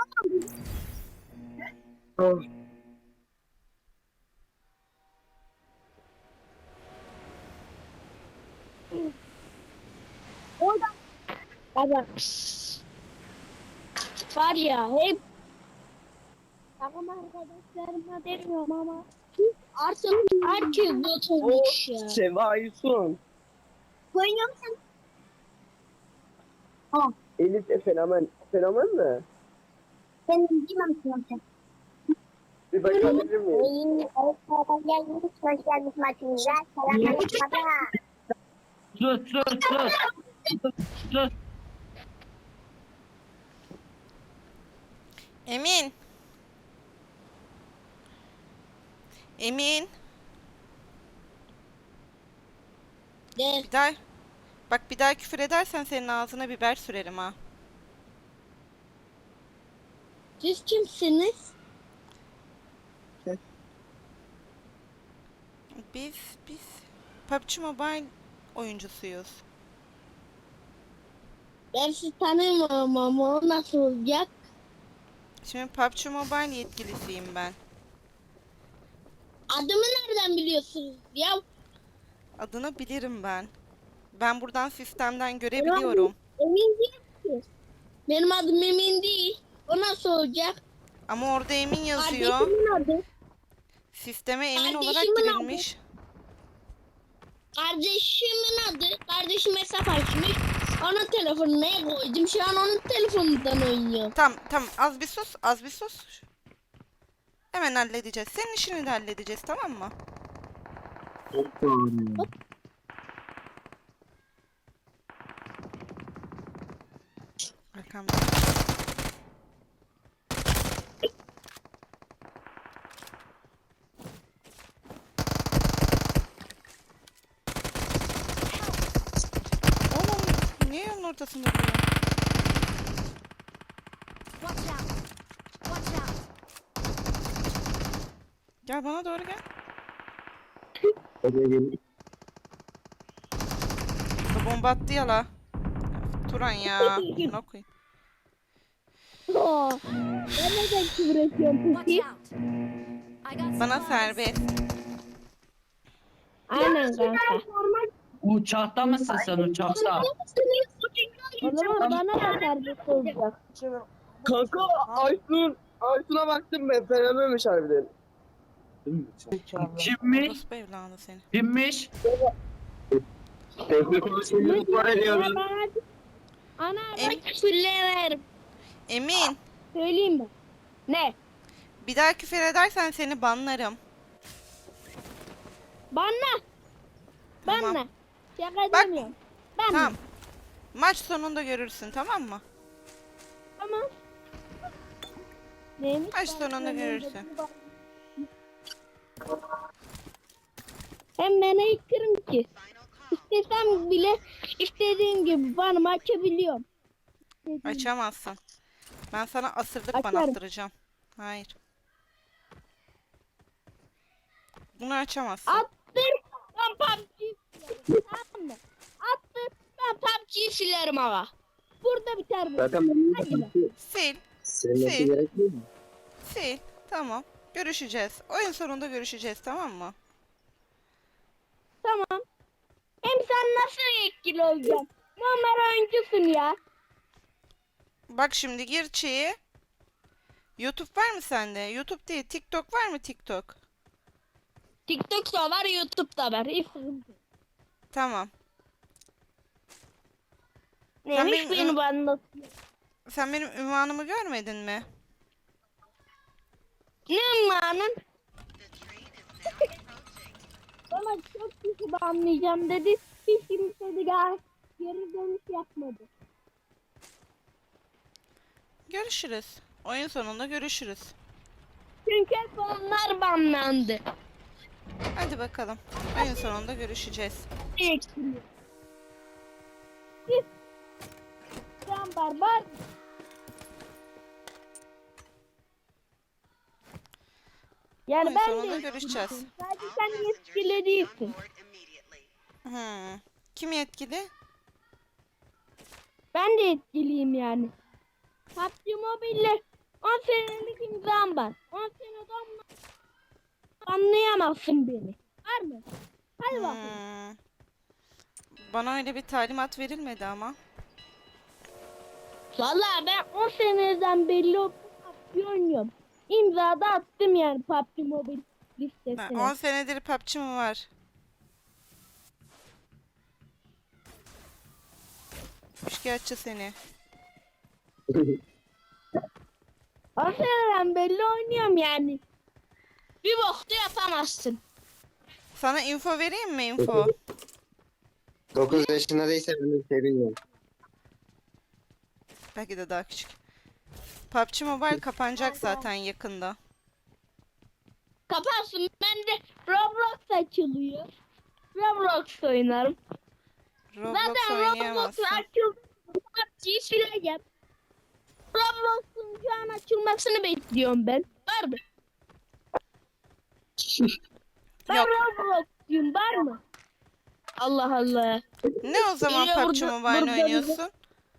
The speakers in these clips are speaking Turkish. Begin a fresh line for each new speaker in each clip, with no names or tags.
Oh.
Orada baba var ya hep takım arkadaşlarıma demiyorum ama artık herkes bot
O
olmuş ya.
Seva Aysun.
Oynuyor musun? Tamam.
Elif de fenomen. Fenomen mi?
Ben bilmem ki.
Bir bakabilir miyim?
Gelmiş, hoş gelmiş maçımıza. Selamünaleyküm baba.
Sus.
Emin. Emin.
De,
Bir daha bak bir daha küfür edersen senin ağzına biber sürerim ha.
siz kimsiniz?
Biz PUBG Mobile oyuncusuyuz.
Ben sizi tanımıyorum ama o nasıl olacak?
Şimdi PUBG Mobile yetkilisiyim ben.
Adımı nereden biliyorsunuz ya?
Adını bilirim ben. Ben buradan sistemden
Benim
görebiliyorum.
adım Emin değil ki. Benim adım Emin değil. O nasıl olacak?
Ama orada Emin yazıyor.
Kardeşimin adı.
Sisteme Emin olarak
Kardeşimin adı.
girilmiş.
Kardeşim hesap açmış. Onun telefonuna koydum. Şu an onun telefonundan oynuyor.
Tamam az bir sus. Hemen halledeceğiz. Senin işini de halledeceğiz, tamam mı?
Çok bağırıyor.
Arkamda. Oğlum niye yolun ortasında duruyor? Gel bana doğru gel.
Oraya gelin.
Bu bomba attı ya la. Turan ya. Ne koyayım?
Oo. Ben neden küfür ediyorum peki?
Bana serbest.
Aynen kanka.
Uçakta mısın sen uçakta?
O zaman bana da serbest olacak.
Kanka Aysun'a baktım ben. Fenomenmiş harbiden.
Kimmiş?
Orospu evladı seni.
Kimmiş?
Teknik konusunu ısrar ediyoruz.
Ana
Em-
bak küfürlerim.
Emin.
Söyleyeyim mi? Ne?
Bir daha küfür edersen seni banlarım.
Bana.
Tamam.
Bana. Şaka
Bak.
demiyorum. Bana.
Tamam. Maç sonunda görürsün, tamam mı?
Tamam. Neymiş?
Maç sonunda görürsün.
Hem ben yıkarım ki. İstesem bile istediğim gibi bana açabiliyorum.
Açamazsın. Ben sana asırlık
Açarım.
banattıracağım. Hayır. Bunu açamazsın.
Attır. Ben PUBG'yi silerim. Tamam mı? Attır. Ben PUBG'yi silerim ama. Burada biter bu.
Zaten benim
Hadi be.
Sil.
silmesi
Sil.
gerekmiyor mu?
Sil. Tamam. Görüşeceğiz. Oyun sonunda görüşeceğiz, tamam mı?
Tamam. Hem sen nasıl yetkili olacaksın? Normal oyuncusun ya.
Bak şimdi gir şeyi. YouTube var mı sende? YouTube değil. TikTok var mı TikTok?
TikTok'ta var, YouTube'da var. Hiç sıkıntı yok.
Tamam.
Neymiş
benim-
beni bana?
Sen benim ünvanımı görmedin mi?
Ne anladın? Bana çok kişi banlayacağım dedi. Hiç kimse de geri dönüş yapmadı.
Görüşürüz. Oyun sonunda görüşürüz.
Çünkü hep onlar banlandı.
Hadi bakalım. Oyun sonunda görüşeceğiz.
Yetkili. Git. Sen barbar. Yani
Oyun
ben
sonunda
de
görüşeceğiz.
sadece sen yetkili değilsin.
Kim yetkili?
Ben de yetkiliyim yani. PUBG Mobile'le 10 senelik imzam var. 10 seneden anlayamazsın beni. Var mı? Hadi bakayım.
Hmm. Bana öyle bir talimat verilmedi ama.
Vallahi ben 10 seneden belli o PUBG oynuyorum. İmza da attım yani PUBG Mobile
Ha,
listesine.
10 senedir PUBG mi var? Şikayetçi seni.
10 seneden belli oynuyorum yani. Bir bokta yapamazsın.
Sana info vereyim mi info?
9 yaşında değilse ben de seviyorum.
Belki de daha küçük. PUBG Mobile kapanacak zaten yakında.
Kapansın. Ben de Roblox açılıyor. Roblox oynarım.
Roblox
Zaten Roblox
oynayamazsın.
açıldı. PUBG'yi sileceğim. Roblox'un şu an açılmasını bekliyorum ben. Var mı? Ben
Yok.
Roblox'cuyum. Var mı? Allah Allah.
Ne o zaman
Geliyor
PUBG
burada-
Mobile
burada
oynuyorsun?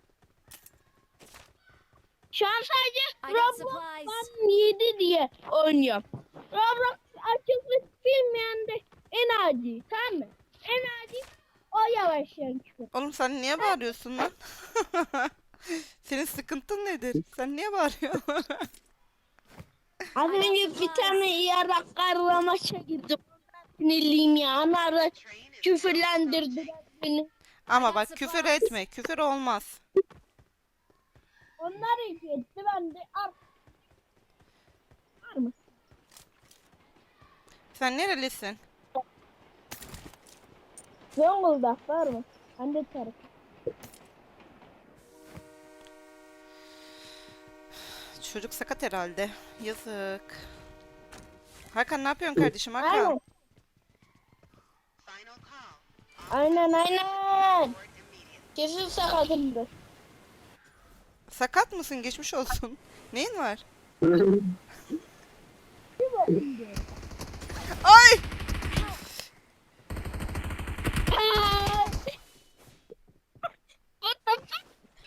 Şu an sadece
I got
Roblox
supplies.
One 7 diye oynuyorum. Roblox açılmış bilmeyen de en adi. Tamam mı? En adi o yavaşlayan çıkıyor.
Oğlum sen niye bağırıyorsun lan? Senin sıkıntın nedir? Sen niye bağırıyorsun?
Az önce bir tane yarak karla maça girdim. Sinirliyim ya. Anarda küfürlendirdiler beni.
Ama bak küfür etme. Küfür olmaz.
Onlar etti. Ben de var mı?
Sen nerelisin?
Zonguldak var mı? Ben de tarafı.
Çocuk sakat herhalde. Yazık. Hakan ne yapıyorsun kardeşim Hakan?
Aynen. Aynen aynen. Kesin sakatımdır.
Sakat mısın? Geçmiş olsun. Neyin var? Ay!
What the fuck?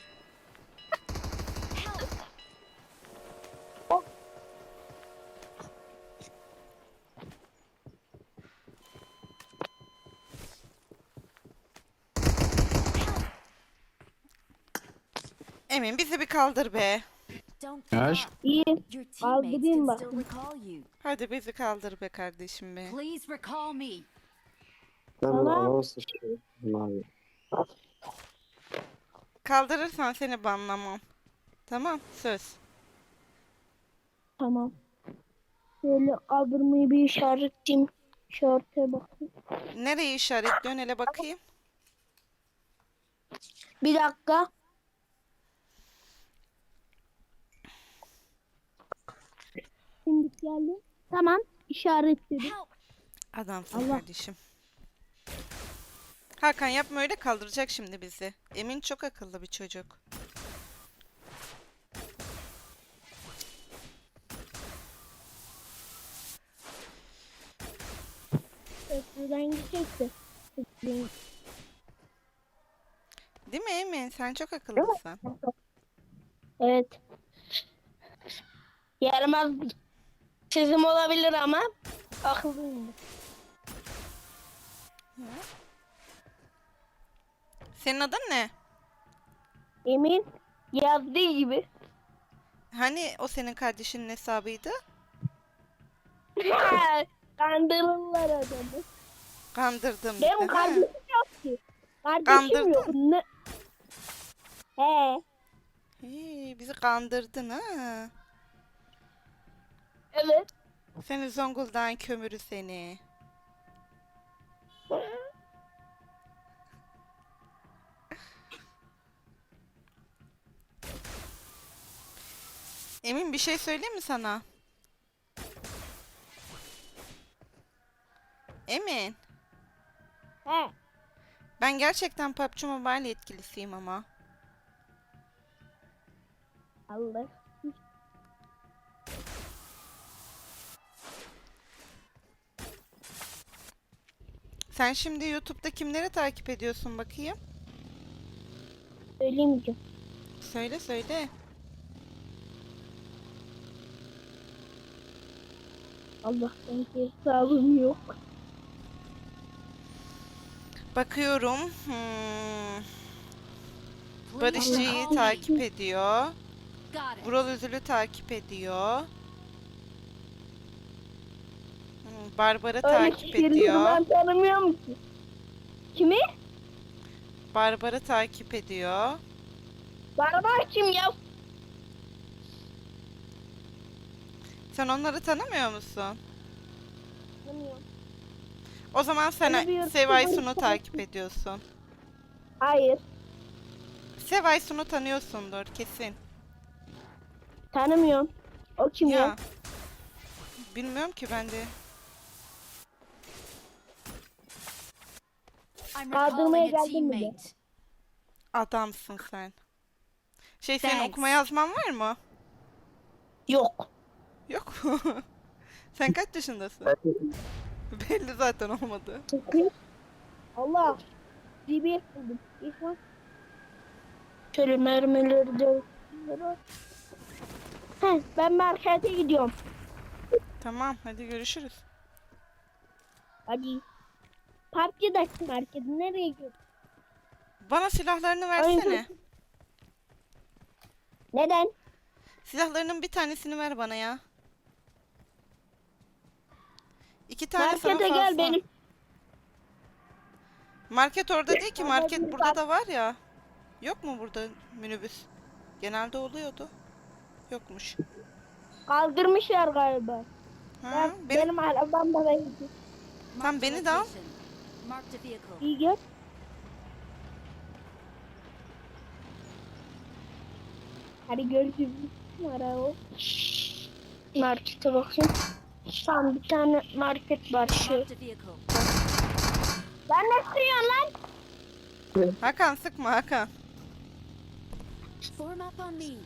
Emin bizi bir kaldır be.
Don't give
Yaş.
up.
İyi.
Your teammates
Kaldırayım
can
bak.
still recall you.
Hadi bizi kaldır be kardeşim be.
Please recall me.
Ben
Tamam.
anamı sıçıyorum abi.
Kaldırırsan seni banlamam. Tamam söz.
Tamam. Şöyle kaldırmayı bir işaretleyeyim. İşarete bakayım.
Nereyi işaretliyorsun hele bakayım.
Bir dakika. Şimdi geldi. Tamam. İşaretledim.
Help.
Adamsın
Allah.
kardeşim. Hakan yapma öyle kaldıracak şimdi bizi. Emin çok akıllı bir çocuk.
Köprüden gidecekti.
Değil mi Emin? Sen çok akıllısın.
Evet. Yaramaz bir sezim olabilir ama akıllıyım.
Senin adın ne?
Emin yazdığı gibi.
Hani o senin kardeşinin hesabıydı?
Kandırırlar adamı.
Kandırdım
Benim
dedi. Ha?
kardeşim yok ki. Kardeşim
Kandırdın.
yok. Ne? He.
Hey, bizi kandırdın ha.
Evet.
Seni Zonguldak'ın kömürü seni. Emin bir şey söyleyeyim mi sana? Emin.
He.
Ben gerçekten PUBG Mobile yetkilisiyim ama.
Allah.
Sen şimdi YouTube'da kimleri takip ediyorsun bakayım?
Söylemeyeceğim.
Söyle söyle.
Allah'tan ki hesabım yok.
Bakıyorum. Barışçı'yı
Allah.
takip ediyor.
Got it.
Vural Üzül'ü takip ediyor. Barbar'ı
Öyle
takip
kişileri
ediyor.
ben tanımıyorum ki. Kimi?
Barbar'ı takip ediyor.
Barbar kim ya?
Sen onları tanımıyor musun?
Tanımıyorum.
O zaman sen
Tanımıyorum.
Sevay Sun'u takip ediyorsun.
Hayır.
Sevay Sun'u tanıyorsundur kesin.
Tanımıyorum. O kim ya?
Ya. Bilmiyorum ki ben de.
I'm
Kaldırmaya
recalling a
geldin mi de?
teammate.
Adamsın sen. Senin
Thanks.
okuma yazman var mı?
Yok.
Yok. Sen kaç yaşındasın? Belli zaten olmadı.
Allah. DBS buldum. İhsan. Şöyle mermileri de. Ben markete gidiyorum.
Tamam hadi görüşürüz.
Hadi. PUBG'daki market nereye gidiyorsun?
Bana silahlarını versene.
Neden?
Silahlarının bir tanesini ver bana ya. 2 tane sana
Markete
fazla.
gel benim.
Market orada değil ki. Market
Orada
burada da var ya. Yok mu burada minibüs? Genelde oluyordu. Yokmuş.
Kaldırmışlar galiba.
Ha,
Benim arabam da ben gidiyorum.
Tam beni de al.
Location. Marked a vehicle.
İyi gel. Hadi görüşürüz. Araba. Markete bakayım. Tam bir tane market var şu.
Marked a vehicle.
Ben ne sürüyorsun lan?
Hakan sıkma Hakan.
Form up on me.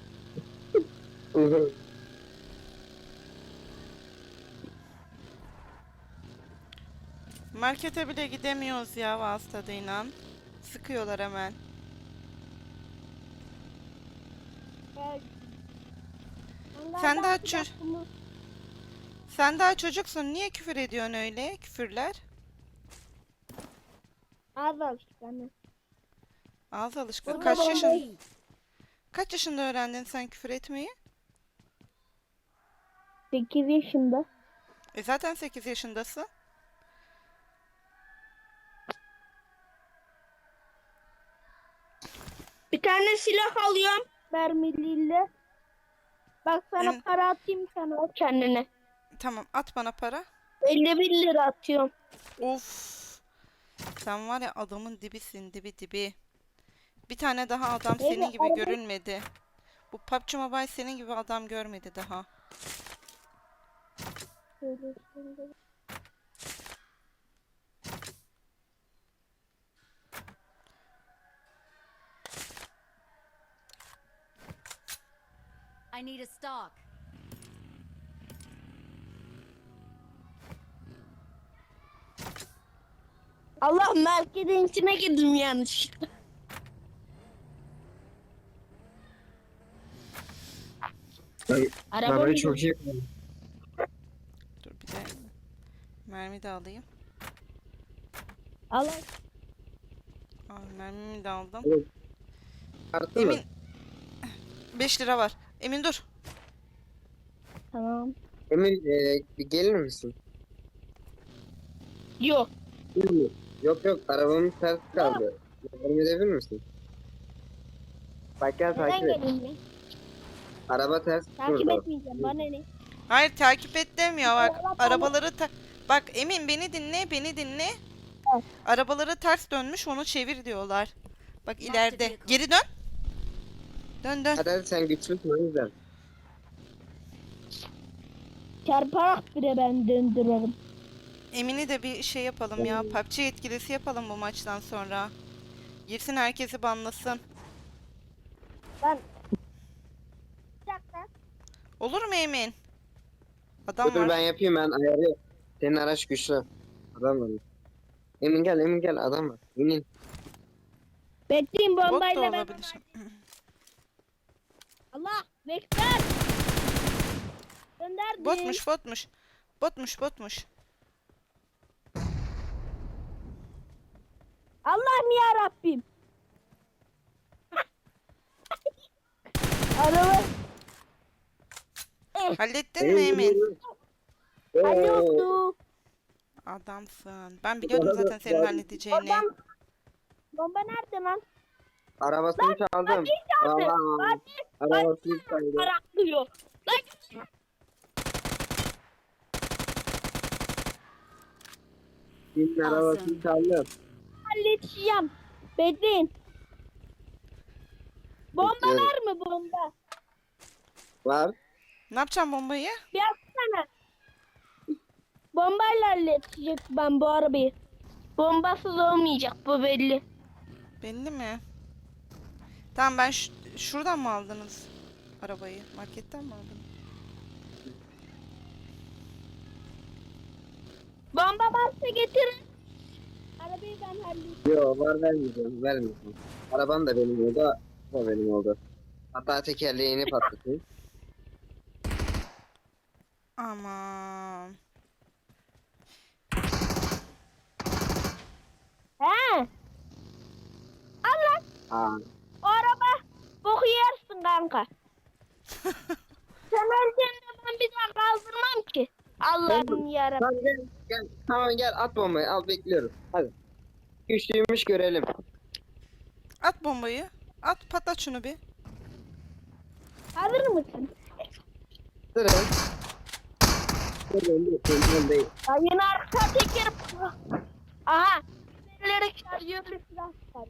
Markete bile gidemiyoruz ya vasıtadıyla. Sıkıyorlar hemen. Sen daha Sen daha çocuksun. Niye küfür ediyorsun öyle? Küfürler.
Az alıştık anne.
Ağız alışkanlığı.
Form
Kaç
up on
yaşın?
me.
Kaç yaşında öğrendin sen küfür etmeyi?
8 yaşında.
Zaten 8 yaşındasın.
Bir tane silah alıyorum. Mermiliyle. Bak sana
Evet.
para atayım sana o kendine.
Tamam at bana para.
51 lira atıyorum.
Of. Sen var ya adamın dibisin dibi. Bir tane daha adam
Evet,
senin gibi
araba-
görünmedi. Bu PUBG Mobile senin gibi adam görmedi daha.
I need a stock.
Allah marketin içine girdim yanlışlıkla.
Arabayı çok iyi.
Dur bir de mermi de alayım.
Allah.
Mermimi de aldım.
Arttı mı?
Emin 5 lira var. Emin dur.
Tamam.
Emin bir gelir misin?
Yok.
Yok arabamın ters kaldı. Yardım edebilir misin? Bak gel
Neden
takip et.
geleyim ben?
Araba ters
Takip
durdu.
etmeyeceğim. Bana ne?
Hayır takip et demiyor bak.
Allah Allah.
Arabaları bak Emin beni dinle.
Evet.
Arabaları ters dönmüş onu çevir diyorlar. Bak ileride.
vehicle.
Geri dön. Dön.
Hadi sen güçlüsün o yüzden.
Çarparak bile ben döndürürüm.
Emin'i de bir şey yapalım ya. PUBG yetkilisi yapalım bu maçtan sonra. Girsin herkesi banlasın.
Ben... Bir dakika.
Olur mu Emin? Adam
Dur
var.
ben yapayım ben ayarı. Senin araç güçlü. Adam var. Emin gel adam var. İnin.
Bekleyin
Bot da
bombayla ben...
olabilir.
Allah! Bekler! Gönderdim.
Botmuş. Botmuş.
Allah'ım ya Rabbim. Araba.
Hallettin mi Emin?
Alo.
Adamsın. Ben biliyordum zaten senin halledeceğini.
Bomba nerede lan?
Arabasını çaldım. Vallahi arabasını çaldım.
Paraklıyor. Lan
Kimin arabasını çaldım.
halledeceğim. Bekleyin. Bomba
Bekliyorum.
var mı bomba?
Var.
Ne yapacağım bombayı?
Bir atsana. Bombayla halledecek ben bu arabayı. Bombasız olmayacak bu belli.
Belli mi? Tamam ben şuradan mı aldınız arabayı? Marketten mi aldınız?
Bomba varsa getirin. Arabayı ben halledeceğim.
Yok var vermeyeceğim. Arabam da benim oldu. O da benim oldu. Hatta tekerleğini patlatayım.
Aman.
He. Allah.
Aa.
O araba boku yersin kanka. Sen ölçende ben bir daha kaldırmam ki. Allah'ım yarabbim.
Tamam gel. Tamam gel at bombayı al bekliyorum. Hadi. Güçlüymüş görelim.
At bombayı. At patlat şunu bir.
Hazır mısın?
Durun. Durun değil.
Ya yine arka teker. Aha. Birileri şarjörlü silah çıkar.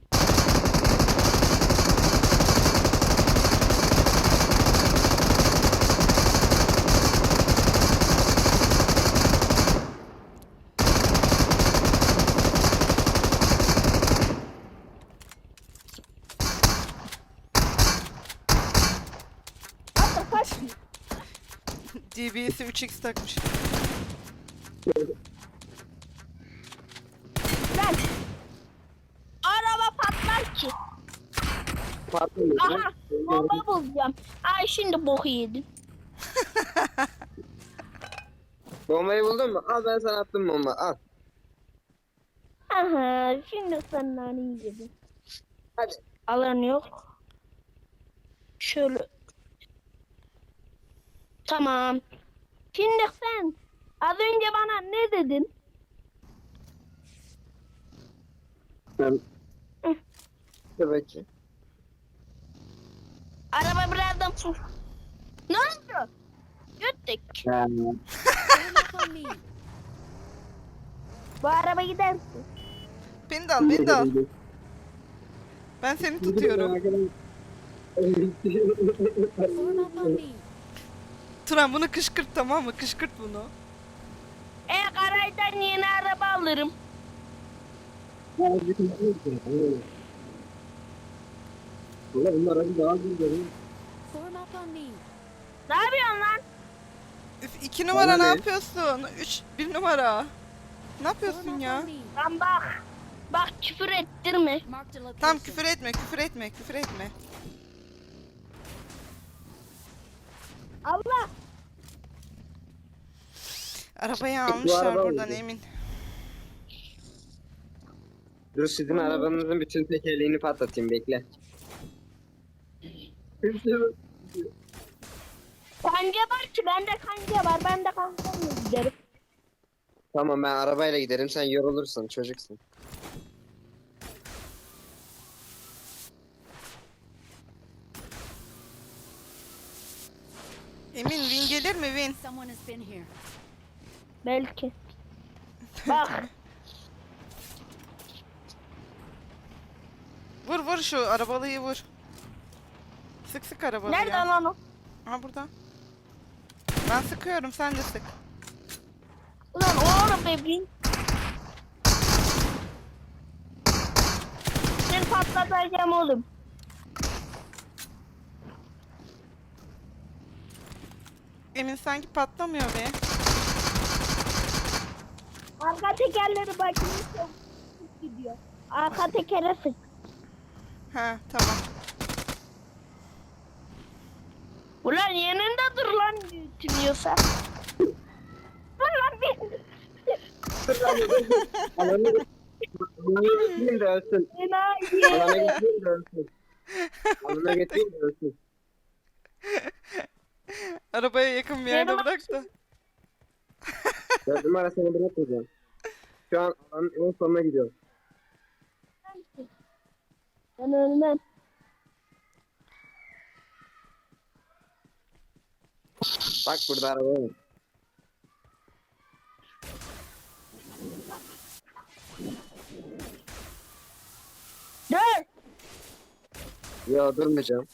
Hatta kaç.
DBS'i 3x takmış.
Lan. Araba patlar ki.
Patlamıyor.
Aha. Bomba bulacağım. Ay şimdi boku yedin.
Bombayı buldun mu? Al ben sana attım bomba al.
Aha. Şimdi sen naneyi yedin.
Hadi.
Alan yok. Şöyle. Tamam. Şimdi sen az önce bana ne dedin?
Ben... Dur bakayım.
Araba birazdan fır. Ne oldu? Göttük.
Form up on me.
Bu araba gidersin.
Beni de al. Ben seni tutuyorum.
Form up on me.
Turan bunu kışkırt, tamam mı? Kışkırt bunu.
Garajdan yeni araba alırım.
Bunlar hadi daha güzel.
Form up on me.
Ne yapıyorsun lan?
Üf, 2 numara
Bana
ne
ne?
yapıyorsun? 1 numara. Ne
Form
yapıyorsun
up
ya?
on me.
Lan bak. Bak küfür ettirme.
Marked a location.
Tamam küfür etme.
Allah.
Arabayı
Bu
almışlar
araba
buradan
mıydı?
Emin.
Dur sizin arabanızın bütün tekerleğini patlatayım bekle.
Kanca var ki bende kanca var. Ben de kancamla giderim.
Tamam ben arabayla giderim sen yorulursun çocuksun.
Emin win gelir mi win?
Someone has been here.
Belki. Bak.
Vur şu arabalıyı vur. Sık arabalıyı.
Nerede lan o?
Ha burada. Ben sıkıyorum sen de sık.
Ulan o araba bin. Seni patlatacağım oğlum.
Emin sanki patlamıyor be.
Arka tekerleri bakayım çok gidiyor. Arka tekere sık.
Ha tamam.
Ulan yanında dur lan tünüyorsa. Dur
Alanı getireyim de ölsün. Alana
Enayi.
getireyim de ölsün. Alana getireyim de ölsün.
Arabaya yakın bir yerde
Benim
bırak da.
4 numara seni bırakmayacağım. Şu an alanın en sonuna gidiyorum.
Ben ölmem.
Bak burada araba var.
Dur.
Yo durmayacağım.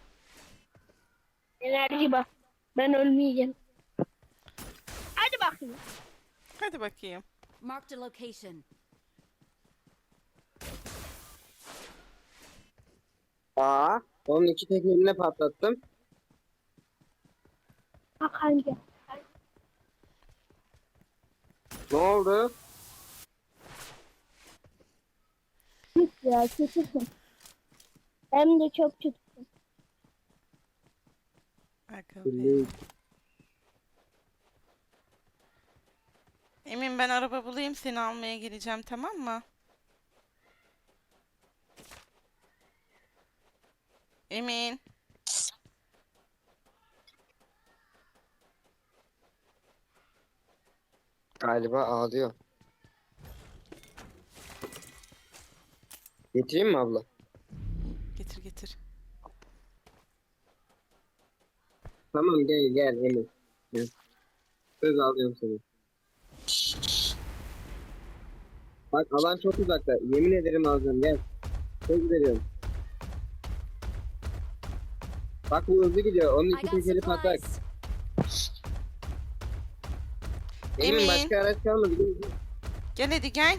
Enerji bak. Ben ölmeyeceğim. Hadi bakayım.
Hadi bakayım.
Marked a location.
Aa, onun iki tekerini patlattım.
Bak hangi.
Ne oldu?
Git ya kötüsün. Hem de çok kötüsün.
Aga be. Emin ben araba bulayım seni almaya geleceğim tamam mı? Emin.
Galiba ağlıyor. Getireyim mi abla?
Getir getir.
Tamam gel gel Emin. Gel. Söz alıyorum seni. Bak alan çok uzakta. Yemin ederim alacağım gel. Söz veriyorum. Bak bu hızlı gidiyor. Onun
I
iki
got
tekeri patlak.
supplies.
Emin
Emin.
başka araç kalmadı.
Gel hadi gel.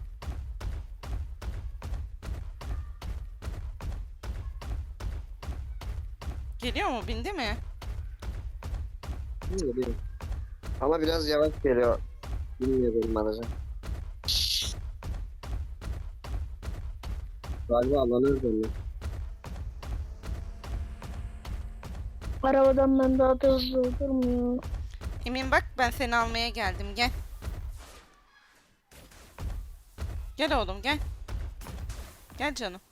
Geliyor mu? Bindi mi?
Geliyor. Ama biraz yavaş geliyor. Bilmiyorum araca. Galiba alanı özlemiyor.
Arabadan ben daha da hızlı durmuyor.
Emin bak ben seni almaya geldim gel. Gel oğlum gel. Gel canım.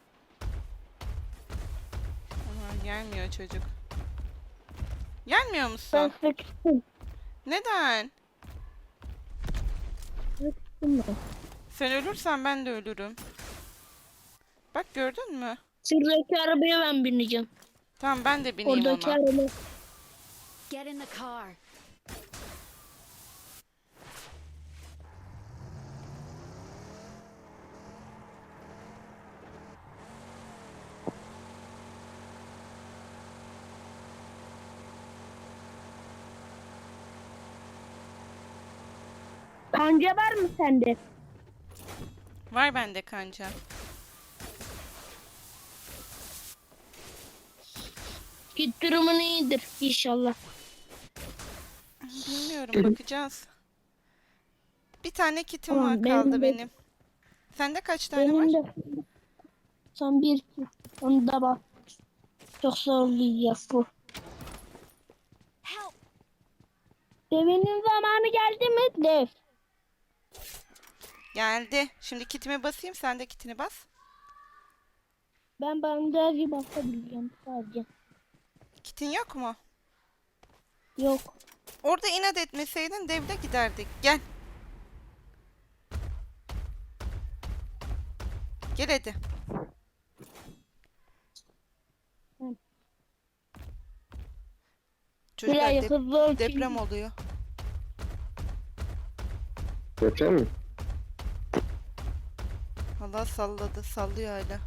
Aha, gelmiyor çocuk. Gelmiyor
Ben
musun?
sıkıştım.
Neden?
Sıkıştım ben.
Sen ölürsen ben de ölürüm. Bak gördün mü?
Şuradaki arabaya ben bineceğim.
Tamam ben de bineyim
Oradaki
ona.
Get
araba.
in the car.
Kanca var mı sende?
Var bende kanca.
Git durumun iyidir inşallah.
Bilmiyorum bakacağız. Bir tane kitim
Tamam,
var
benim
kaldı
de-
benim. Sende kaç tane
Benim
var?
de son bir onu da bak. Çok zorlayacak bu.
Help!
Devinin zamanı geldi mi? Dev.
Geldi. Şimdi kitime basayım sen de kitini bas.
Ben bandajı basabileceğim sadece.
Kitin yok mu?
Yok.
Orada inat etmeseydin devde giderdik. Gel. Gel hadi.
Hı.
Çocuklar
Biraz hızlı ol.
deprem oluyor.
Götürüyor mu?
Allah salladı. Sallıyor hala.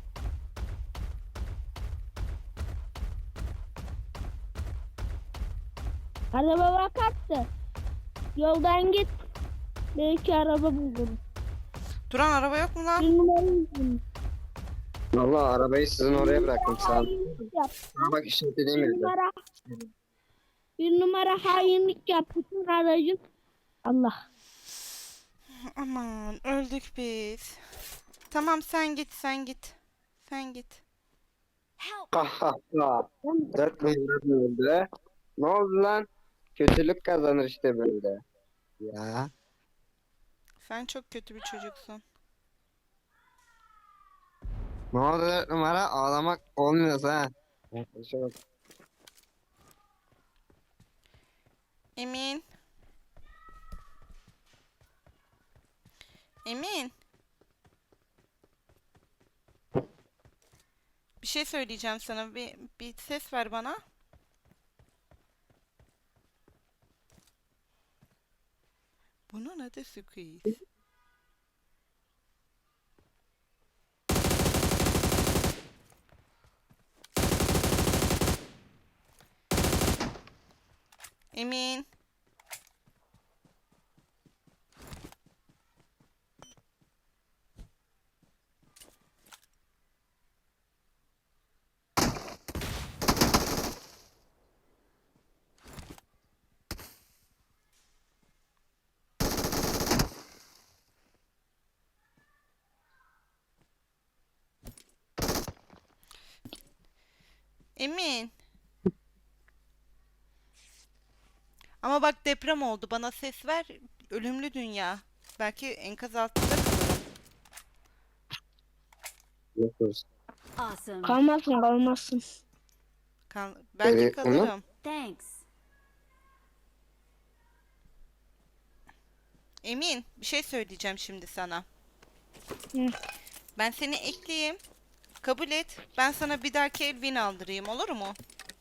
Araba bakarsın. Yoldan git. Belki araba bulurum.
Duran araba yok mu lan?
Bir numarayı buldum.
Valla arabayı sizin oraya bıraktım sağ ol.
Hainlik yap.
Bak işaretlediğim
Bir
yerde.
numara. Bir numara hainlik yap. Bütün aracın. Allah.
Aman öldük biz. Tamam sen git sen git. Sen git.
Help!
Ha ha ha. 4 numara öldü. Ne oldu lan? Kötülük kazanır işte böyle. Ya.
Sen çok kötü bir çocuksun.
Ne oldu 4 numara? Ağlamak olmuyorsa ha. Arkadaşa bak.
Emin. Emin. Bir şey söyleyeceğim sana. Bir ses ver bana. Bunun adı Squeeze. Emin. Emin. Ama bak deprem oldu. Bana ses ver. Ölümlü dünya. Belki enkaz altında kalırım.
Yapıyoruz.
Awesome.
Kalmazsın kalmazsın.
Belki
Evet,
kalırım.
Thanks.
Emin, bir şey söyleyeceğim şimdi sana.
Hı.
Ben seni ekleyeyim. Kabul et. Ben sana bir dahaki el win aldırayım, olur mu?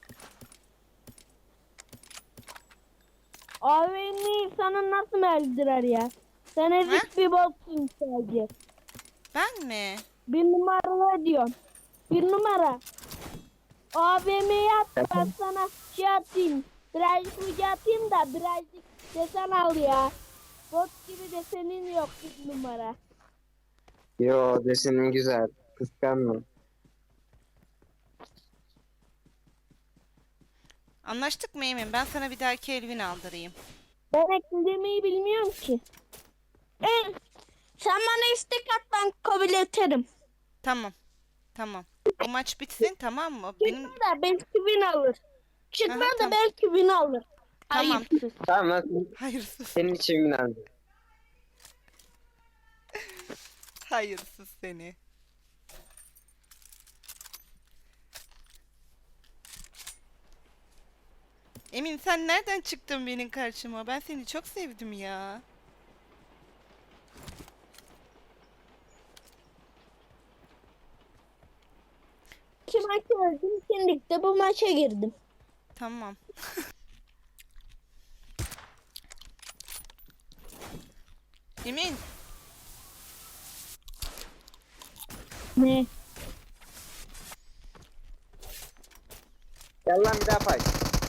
Abi insanı nasıl meldirer ya? Sen ezik bir boksun sadece.
Ben mi?
Bir numara ne diyorsun? Bir numara. AVM'yi at ben sana şey atayım. Birazcık ucu atayım da birazcık desen al ya. Bot gibi desenin yok bir numara.
Yo desenin güzel. Kıskanma.
Anlaştık mı Emin? Ben sana bir dahaki el win aldırayım.
Ben eklemeyi bilmiyorum ki. Sen bana istek at ben kabul ederim.
Tamam. Tamam. Bu maç bitsin, tamam mı?
Çıkma da belki win alır. Çıkma
Aha,
da
tamam.
belki win alır.
Tamam.
Hayırsız.
Tamam lan
Hayırsız.
senin için önemli.
Hayırsız seni. Emin sen nereden çıktın benim karşıma? Ben seni çok sevdim ya.
İki maç öldüm. Şimdi de bu maça girdim.
Tamam. Emin,
Ne?
Gel lan bir daha pay.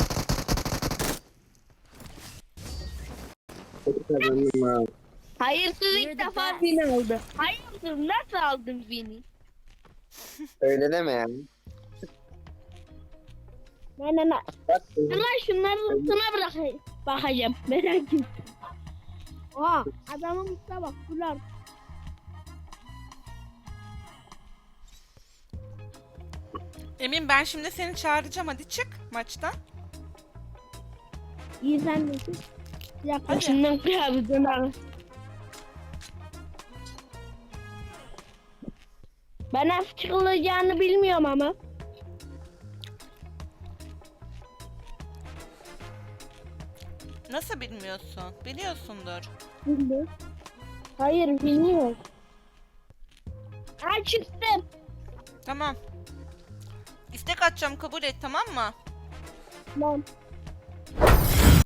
Kazandım ha.
Hayırsız
You're
ilk
the
defa
best.
win aldı. Hayırsız nasıl aldın win'i?
Öyle deme ya.
Ne.
Bak,
Ama şunların üstüne bakacağım. Merak etme. Aa adamın üstüne bak. Bunlar.
Emin ben şimdi seni çağıracağım. Hadi çık maçtan.
İyi sen misin? Bir dakika
Hadi.
şundan kıyafetin al. Ben nasıl çıkılacağını bilmiyorum ama.
Nasıl bilmiyorsun? Biliyorsundur.
Bilmiyorum. Hayır bilmiyorum. Ha çıktım.
Tamam. İstek atacağım, kabul et, tamam mı?
Tamam.